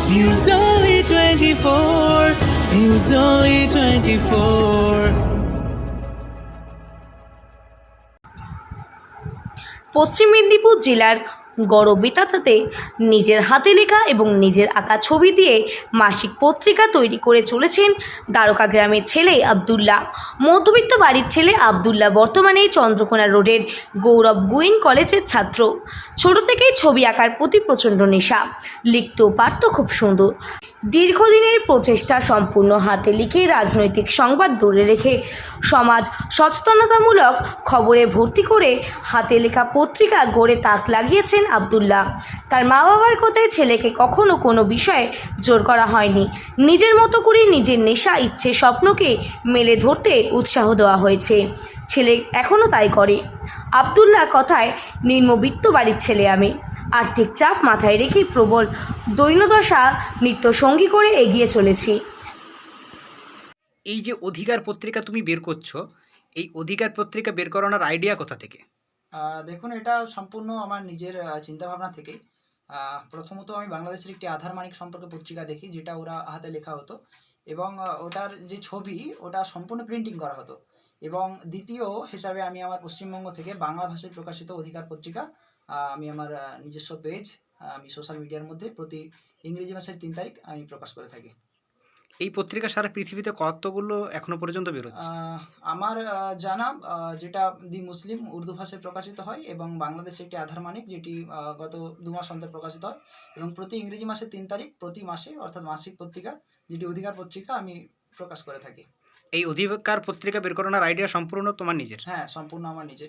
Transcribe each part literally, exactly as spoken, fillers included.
News Only twenty-four, News Only twenty-four. পশ্চিম মেদিনীপুর জেলার গড়বেতাতে নিজের হাতে লেখা এবং নিজের আঁকা ছবি দিয়ে মাসিক পত্রিকা তৈরি করে চলেছেন দ্বারকা গ্রামের ছেলে আবদুল্লাহ। মধ্যবিত্ত বাড়ির ছেলে আবদুল্লাহ বর্তমানে চন্দ্রকোনা রোডের গৌরব গুইন কলেজের ছাত্র। ছোট থেকেই ছবি আঁকার প্রতি প্রচণ্ড নেশা, লিখতেও পারত খুব সুন্দর। দীর্ঘদিনের প্রচেষ্টা সম্পূর্ণ হাতে লিখে রাজনৈতিক সংবাদ দূরে রেখে সমাজ সচেতনতামূলক খবরে ভর্তি করে হাতে লেখা পত্রিকা গড়ে তাক লাগিয়েছেন আবদুল্লাহ। তার মা বাবার কথায় ছেলেকে কখনো কোনো বিষয়ে জোর করা হয়নি। নিজের মতো করে নিজের নেশা, ইচ্ছে, স্বপ্নকে মেলে ধরতে উৎসাহ দেওয়া হয়েছে। ছেলে এখনও তাই করে। আবদুল্লাহ কথায়, নিম্নবিত্ত বাড়ির ছেলে আমি, আর্থিক চাপ মাথায় রেখে প্রবল দৈন্যদশা নিত্য সঙ্গী করে এগিয়ে চলেছি। এই যে অধিকার পত্রিকা তুমি বের করছো, এই অধিকার পত্রিকা বের করানোর আইডিয়া কোথা থেকে? দেখুন, এটা সম্পূর্ণ আমার নিজের চিন্তাভাবনা থেকেই। প্রথমত আমি বাংলাদেশের একটি আধার মানিক সম্পর্কে পত্রিকা দেখি, যেটা ওরা হাতে লেখা হতো এবং ওটার যে ছবি ওটা সম্পূর্ণ প্রিন্টিং করা হতো। এবং দ্বিতীয় হিসাবে আমি আমার পশ্চিমবঙ্গ থেকে বাংলা ভাষায় প্রকাশিত অধিকার পত্রিকা আমি আমার নিজস্ব পেজ আমি সোশ্যাল মিডিয়ার মধ্যে প্রতি ইংরেজি মাসের তিন তারিখ আমি প্রকাশ করে থাকি। এই পত্রিকা সারা পৃথিবীতে কতগুলো এখনো পর্যন্ত বেরোচ্ছে? আমার জানা যেটা দি মুসলিম উর্দু ভাষায় প্রকাশিত হয় এবং বাংলাদেশে একটি আধার মানিক, যেটি গত দু মাস অন্তর প্রকাশিত হয় এবং প্রতি ইংরেজি মাসের তিন তারিখ প্রতি মাসে অর্থাৎ মাসিক পত্রিকা যেটি অধিকার পত্রিকা আমি প্রকাশ করে থাকি। এই অধিকার পত্রিকা বের করানোর আইডিয়া সম্পূর্ণ তোমার নিজের? হ্যাঁ, সম্পূর্ণ আমার নিজের।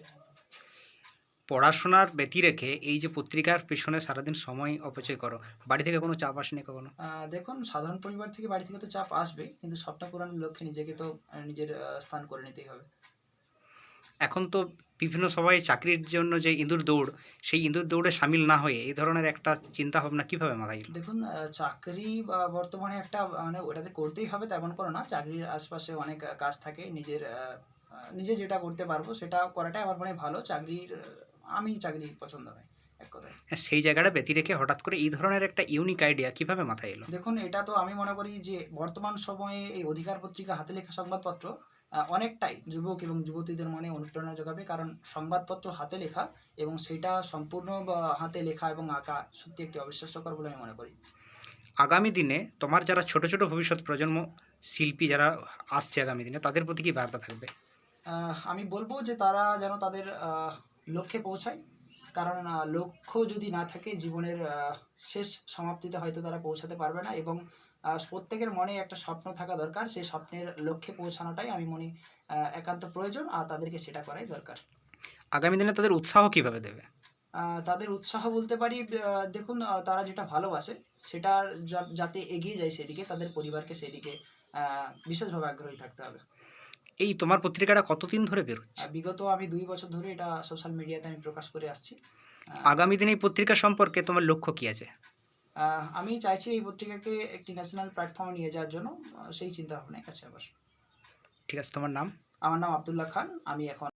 পড়াশোনার ব্যতি রেখে এই যে পত্রিকার পেছনে সারাদিন সময় অপচয় করো, বাড়ি থেকে কোনো চাপ আসেনি কখনো? দেখুন, সাধারণ পরিবার থেকে বাড়ি থেকে তো চাপ আসবে, কিন্তু স্বপ্ন পূরণের লক্ষ্যে নিজেকে তো নিজের স্থান করে নিতেই হবে। এখন তো বিভিন্ন সবাই চাকরির জন্য যে ইঁদুর দৌড়, সেই ইঁদুর দৌড়ে সামিল না হয়ে এই ধরনের একটা চিন্তা ভাবনা কীভাবে মাথায় এলো? দেখুন, চাকরি বর্তমানে একটা মানে ওটাতে করতেই হবে তেমন কোনো না। চাকরির আশপাশে অনেক কাজ থাকে, নিজের নিজে যেটা করতে পারবো সেটা করাটাই আমার মনে ভালো। চাকরির আমি চাকরি পছন্দ নয় এক কথায়। সেই জায়গাটা ব্যতি রেখে হঠাৎ করে এই ধরনের একটা ইউনিক আইডিয়া কিভাবে মাথায় এলো? দেখুন, এটা তো আমি মনে করি যে বর্তমান সময়ে এই অধিকার পত্রিকা হাতে লেখা সংবাদপত্র অনেকটাই যুবক এবং যুবতীদের মনে অনুপ্রেরণা যোগাবে, কারণ সংবাদপত্র হাতে লেখা এবং সেটা সম্পূর্ণ হাতে লেখা এবং আঁকা সত্যি একটি অবিশ্বাস্যকর বলে আমি মনে করি। আগামী দিনে তোমার যারা ছোট ছোট ভবিষ্যৎ প্রজন্ম শিল্পী যারা আসছে আগামী দিনে, তাদের প্রতি কি বার্তা থাকবে? আমি বলবো যে তারা যেন তাদের লক্ষ্যে পৌঁছায়, কারণ লক্ষ্য যদি না থাকে জীবনের শেষ সমাপ্তিতে হয়তো তারা পৌঁছাতে পারবে না। এবং প্রত্যেকের মনে একটা স্বপ্ন থাকা দরকার, সেই স্বপ্নের লক্ষ্যে পৌঁছানোটাই আমি মনে একান্ত প্রয়োজন, আর তাদেরকে সেটা করাই দরকার। আগামী দিনে তাদের উৎসাহ কিভাবে দেবে? তাদের উৎসাহ বলতে পারি, দেখুন, তারা যেটা ভালোবাসে সেটার যাতে এগিয়ে যায় সেদিকে, তাদের পরিবারকে সেদিকে বিশেষভাবে আগ্রহী থাকতে হবে। এই তোমার পত্রিকাটা কতদিন ধরে বেরোচ্ছে? বিগত আমি দুই বছর ধরে এটা সোশ্যাল মিডিয়াতে আমি প্রকাশ করে আসছি। আগামী দিনে এই পত্রিকা সম্পর্কে তোমার লক্ষ্য কি আছে? আমি চাইছি এই পত্রিকাকে একটি ন্যাশনাল প্ল্যাটফর্মে নিয়ে যাওয়ার জন্য, সেই চিন্তা ভাবনায় আছে আবার। ঠিক আছে, তোমার নাম? আমার নাম আবদুল্লাহ খান। আমি এখন